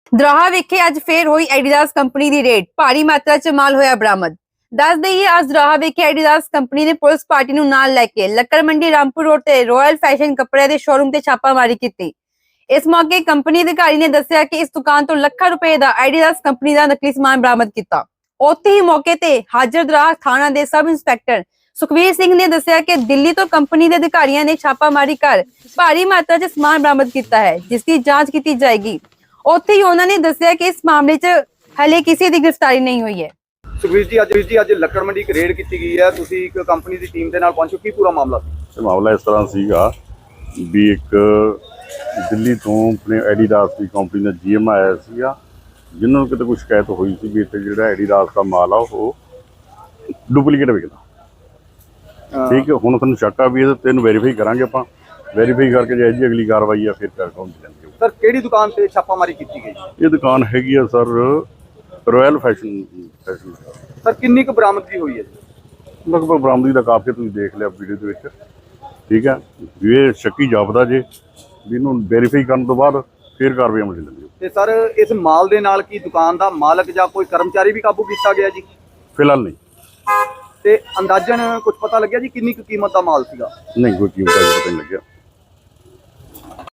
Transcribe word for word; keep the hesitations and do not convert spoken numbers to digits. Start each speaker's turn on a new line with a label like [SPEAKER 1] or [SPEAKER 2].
[SPEAKER 1] ਦਰਾਹਾ ਵਿਖੇ ਅੱਜ ਫੇਰ ਹੋਈ ਐਡੀਦਾਸ ਕੰਪਨੀ ਦੀ ਰੇਡ। ਭਾਰੀ ਮਾਤਰਾ 'ਚ ਮਾਲ ਹੋਇਆ ਬਰਾਮਦ। ਦੱਸ ਦਈਏ ਅੱਜ ਦਰਾਹਾ ਵਿਖੇ ਐਡੀਦਾਸ ਕੰਪਨੀ ਨੇ ਪੁਲਿਸ ਪਾਰਟੀ ਨੂੰ ਨਾਲ ਲੈ ਕੇ ਲੱਕੜ ਮੰਡੀ ਰਾਮਪੁਰ ਰੋਡ ਤੇ ਰਾਇਲ ਫੈਸ਼ਨ ਕੱਪੜਿਆਂ ਦੇ ਸ਼ੋਰੂਮ ਤੇ ਛਾਪਾਮਾਰੀ ਕੀਤੀ। ਇਸ ਮੌਕੇ ਕੰਪਨੀ ਅਧਿਕਾਰੀ ਨੇ ਦੱਸਿਆ ਕਿ ਇਸ ਦੁਕਾਨ ਤੋਂ ਲੱਖਾਂ ਰੁਪਏ ਦਾ ਐਡੀਦਾਸ ਕੰਪਨੀ ਦਾ ਨਕਲੀ ਸਮਾਨ ਬਰਾਮਦ ਕੀਤਾ। ਉੱਥੇ ਹੀ ਮੌਕੇ ਤੇ ਹਾਜ਼ਰ ਦਰਾਹਾ ਥਾਣਾ ਦੇ ਸਬ ਇੰਸਪੈਕਟਰ ਸੁਖਵੀਰ ਸਿੰਘ ਨੇ ਦੱਸਿਆ ਕਿ ਦਿੱਲੀ ਤੋਂ ਕੰਪਨੀ ਦੇ ਅਧਿਕਾਰੀਆਂ ਨੇ ਛਾਪਾਮਾਰੀ ਕਰ ਭਾਰੀ ਮਾਤਰਾ 'ਚ ਸਮਾਨ ਬਰਾਮਦ ਕੀਤਾ ਹੈ, ਜਿਸ ਦੀ ਜਾਂਚ ਕੀਤੀ ਜਾਏਗੀ। ਉੱਥੇ ਹੀ ਉਹਨਾਂ ਨੇ ਦੱਸਿਆ ਕਿ ਇਸ ਮਾਮਲੇ 'ਚ ਹਲੇ ਕਿਸੇ ਦੀ ਗ੍ਰਿਫਤਾਰੀ ਨਹੀਂ ਹੋਈ ਹੈ।
[SPEAKER 2] ਸੁਖਵੀਰ ਜੀ ਅੱਜ ਜੀ ਅੱਜ ਲੱਕੜ ਮੰਡੀ ਇੱਕ ਰੇਡ ਕੀਤੀ ਗਈ ਹੈ, ਤੁਸੀਂ ਇੱਕ ਕੰਪਨੀ ਦੀ ਟੀਮ ਦੇ ਨਾਲ ਪਹੁੰਚੋ, ਕੀ ਪੂਰਾ ਮਾਮਲਾ ਸੀ?
[SPEAKER 3] ਇਹ ਮਾਮਲਾ ਇਸ ਤਰ੍ਹਾਂ ਸੀਗਾ ਵੀ ਇੱਕ ਦਿੱਲੀ ਤੋਂ ਆਪਣੇ ਐਡੀਦਾਸ ਦੀ ਕੰਪਨੀ ਦਾ ਜੀਐਮ ਆਇਆ ਸੀਗਾ, ਜਿਨ੍ਹਾਂ ਨੂੰ ਕਿਤੇ ਕੋਈ ਸ਼ਿਕਾਇਤ ਹੋਈ ਸੀ ਵੀ ਇੱਥੇ ਜਿਹੜਾ ਐਡੀਦਾਸ ਦਾ ਮਾਲ ਆ ਉਹ ਡੁਪਲੀਕੇਟ ਵਿਕਦਾ। ਠੀਕ ਹੈ, ਹੁਣ ਤੁਹਾਨੂੰ ਸ਼ੱਕ ਆ ਵੀ ਇਹਦੇ ਤੈਨੂੰ ਵੈਰੀਫਾਈ ਕਰਾਂਗੇ, ਆਪਾਂ ਵੈਰੀਫਾਈ ਕਰਕੇ ਜੇ ਜੀ ਅਗਲੀ ਕਾਰਵਾਈ ਆ ਫਿਰ ਕਰ ਕੌਣ ਜਾਂਦੀ ਹੈ।
[SPEAKER 2] ਸਰ ਕਿਹੜੀ ਦੁਕਾਨ ਤੇ ਛਾਪਾਮਾਰੀ ਕੀਤੀ ਗਈ?
[SPEAKER 3] ਇਹ ਦੁਕਾਨ ਹੈਗੀ ਆ sir royal fashion fashion.
[SPEAKER 2] Sir ਕਿੰਨੀ ਕੁ ਬਰਾਮਦਗੀ ਹੋਈ ਹੈ ਜੀ?
[SPEAKER 3] ਲਗਭਗ ਬਰਾਮਦਗੀ ਦਾ ਕਾਫੀ ਤੁਸੀਂ ਦੇਖ ਲਿਆ ਵੀਡੀਓ ਦੇ ਵਿੱਚ। ਠੀਕ ਹੈ, ਵੀ ਇਹ ਸ਼ੱਕੀ ਜਾਪਦਾ ਜੇ ਵੀ ਇਹਨੂੰ ਵੈਰੀਫਾਈ ਕਰਨ ਤੋਂ ਬਾਅਦ ਫਿਰ ਕਾਰਵਾਈ ਅਮਲ ਲੈਂਦੀ।
[SPEAKER 2] ਤੇ ਸਰ ਇਸ ਮਾਲ ਦੇ ਨਾਲ ਕੀ ਦੁਕਾਨ ਦਾ ਮਾਲਕ ਜਾਂ ਕੋਈ ਕਰਮਚਾਰੀ ਵੀ ਕਾਬੂ ਕੀਤਾ ਗਿਆ ਜੀ?
[SPEAKER 3] ਫਿਲਹਾਲ ਨਹੀਂ।
[SPEAKER 2] ਤੇ ਅੰਦਾਜ਼ਨ ਕੁਝ ਪਤਾ ਲੱਗਿਆ ਜੀ ਕਿੰਨੀ ਕੁ ਕੀਮਤ ਦਾ ਮਾਲ ਸੀਗਾ?
[SPEAKER 3] ਨਹੀਂ, ਕੋਈ ਕੀਮਤ ਦਾ ਪਤਾ ਨਹੀਂ ਲੱਗਿਆ।